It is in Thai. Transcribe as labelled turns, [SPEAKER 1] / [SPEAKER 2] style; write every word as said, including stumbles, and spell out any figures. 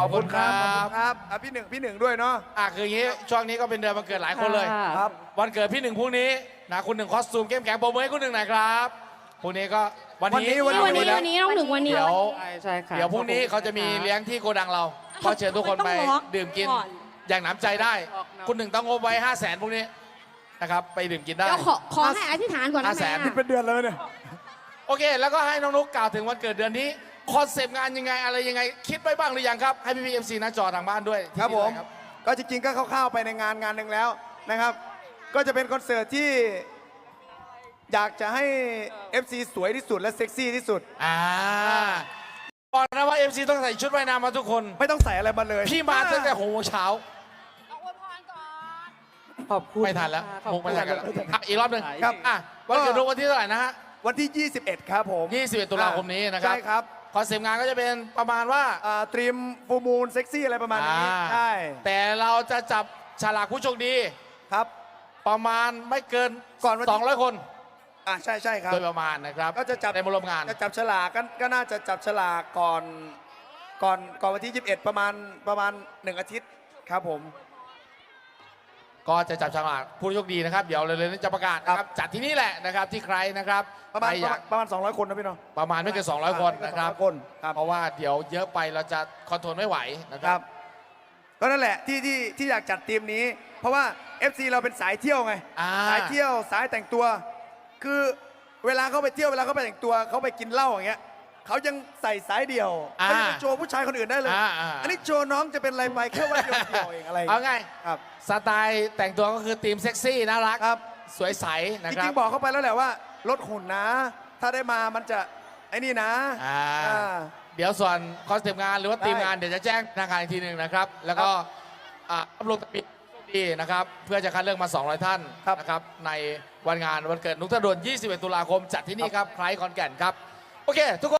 [SPEAKER 1] อบคุณครับ
[SPEAKER 2] ขอบคุณครับอ่ะพี่หนึ่งพี่หนึ่งด้วยเนาะ
[SPEAKER 1] อ่ะคืออย่างนี้ช่วงนี้ก็เป็นเดือนวันเกิดหลายคนเลย
[SPEAKER 2] ครับ
[SPEAKER 1] วันเกิดพี่หนึ่งพรุ่งนี้นะคุณหนึ่งคอสตูมเข้มแข็งโปรโมทให้คุณหนึ่งหน่อยครับพรุ่งนี้ก็วันนี้
[SPEAKER 2] วันนี้
[SPEAKER 3] วันนี้วันนี้น้องหนึ่งวันนี้
[SPEAKER 1] เดี๋ยว
[SPEAKER 3] ใช่ค่ะ
[SPEAKER 1] เดี๋ยวพรุ่งนี้เขาจะมีเลี้ยงที่โกดังเราก็เชิญทุกคนไปดื่มกินอย่างหนำใจได้ คุณหนึ่งต้องงบไว้ห้าแสนพรุ่งนี้นะครับไปดื่มกินได้
[SPEAKER 3] เดี๋ยวขอขอให้อธิษฐานก่อนนะ
[SPEAKER 1] ห้าแสน
[SPEAKER 3] แม่
[SPEAKER 2] เป็นเดือนแล้วเนี่ย
[SPEAKER 1] โอเค แล้วก็ให้น้องนุ๊กกล่าวถึงวันเกิดเดือนนี้คอนเซปต์งานยังไงอะไรยังไงคิดไว้บ้างหรือยังครับให้พี่พีเอ็มซีหน้าจอทางบ้านด้วย
[SPEAKER 2] ครับผม
[SPEAKER 1] ที่นี่เลย
[SPEAKER 2] ก็จริงๆก็คร่าวๆไปในงานงานหนึ่งแล้วนะครับ ก็จะเป็นคอนเสิร์ตที่อยากจะให้ เอฟ ซี สวยที่สุดและเซ็กซี่ที่สุด
[SPEAKER 1] อ่าบอกนะว่า เอ็ม ซี ต้องใส่ชุดว่ายน้ำมาทุกคน
[SPEAKER 2] ไม่ต้องใส่อะไรมาเลย
[SPEAKER 1] พี่มาตั้งแต่หกโมงเช้า
[SPEAKER 3] ขอบคุณ
[SPEAKER 1] ไม่ทันแล้ว
[SPEAKER 3] ขอบ
[SPEAKER 1] มุก
[SPEAKER 3] คุ
[SPEAKER 1] ไม่
[SPEAKER 3] ณ
[SPEAKER 1] ทันกันแล้วอ่ะอีกรอบหนึ่ง
[SPEAKER 2] ครับ
[SPEAKER 1] อ่ะวันเกิดนุ๊กวันที่เท่าไหร่นะฮะ
[SPEAKER 2] วันที่ ยี่สิบเอ็ด ครับผม
[SPEAKER 1] ยี่สิบเอ็ดตุลาคมนี้นะครับ
[SPEAKER 2] ใช่ครับ
[SPEAKER 1] คอนเซปต์งานก็จะเป็นประมาณว่า
[SPEAKER 2] อ่าตรีมฟูมูลเซ็กซี่อะไรประมาณนี้
[SPEAKER 1] อ่า
[SPEAKER 2] ใช่
[SPEAKER 1] แต่เราจะจับฉลากผู้โชคดี
[SPEAKER 2] ครับ
[SPEAKER 1] ประมาณไม่เกิน
[SPEAKER 2] ก่อนวันที่
[SPEAKER 1] สองร้อยคน
[SPEAKER 2] อ่าใช่ใช่ครับ
[SPEAKER 1] โดยประมาณนะครับ
[SPEAKER 2] ก็จะจับ
[SPEAKER 1] ในมาร่วมงาน
[SPEAKER 2] จะจับฉลากก็ก็น่าจะจับฉลากก่อนก่อนก่อนวันที่ยี่สิบเอ็ดประมาณประมาณหนึ่งอาทิตย์ครับผม
[SPEAKER 1] ก็จะจับฉลากผู้โชคดีนะครับ เดี๋ยวเร็วๆนี้จะประกาศนะครับจัดที่นี่แหละนะครับที่ใครนะครับ
[SPEAKER 2] ประมาณ
[SPEAKER 1] ใคอยาก
[SPEAKER 2] ประมาณสองร้อยคนนะพี่น้อง
[SPEAKER 1] ประมาณไม่เกินสองร้อยคนนะครับ
[SPEAKER 2] ไม่เกินสองร้อยคนครับ
[SPEAKER 1] เพราะว่าเดี๋ยวเยอะไปเราจะคอนโทรลไม่ไหวนะค
[SPEAKER 2] ค
[SPEAKER 1] รั
[SPEAKER 2] รับ บก็นั่นแหละที่ที่ที่อยากจัดทีมนี้ เพราะว่า เอฟ ซี เราเป็นสายเที่ยวไง
[SPEAKER 1] อ่า
[SPEAKER 2] สายเที่ยวสายแต่งตัว คือเวลาเขาไปเที่ยวเวลาเขาไปแต่งตัวเขาไปกินเหล้าอย่างเงี้ยเขายังใส่สายเดี่ยว
[SPEAKER 1] อ่า
[SPEAKER 2] เขายังไปโชว์ผู้ชายคนอื่นได้เลย
[SPEAKER 1] อ่าอ่า
[SPEAKER 2] อันนี้โชว์น้องจะเป็นอะไรไปแค่ว่าเดียวเดียวเองอะไร
[SPEAKER 1] เอาไง
[SPEAKER 2] ครับ
[SPEAKER 1] สไตล์แต่งตัวก็คือธีมเซ็กซี่น่ารัก
[SPEAKER 2] ครับ
[SPEAKER 1] สวยใสนะ
[SPEAKER 2] จ
[SPEAKER 1] ครั
[SPEAKER 2] ริ
[SPEAKER 1] บ
[SPEAKER 2] งๆบอกเขาไปแล้วแหละว่าลดหุ่นนะ ถ้าได้มามันจะไอ้นี่นะ
[SPEAKER 1] อ่า
[SPEAKER 2] อ่า
[SPEAKER 1] เดี๋ยวส่วนคอนเซปต์งานหรือว่า
[SPEAKER 2] ได้
[SPEAKER 1] ทีมงานเดี๋ยวจะแจ้งทางการอีกทีหนึ่งนะครับ แล้วก็อ่าอัปโหลดตะปิดดีนะครับ เพื่อจะคัดเลือกมา สองร้อย ท่านนะครับ ในวันงานวันเกิดนุกธนดลยี่สิบเอ็ด ตุลาคม จัดที่นี่ครับไคล้ขอนแก่นครับ โอเค ทุกคน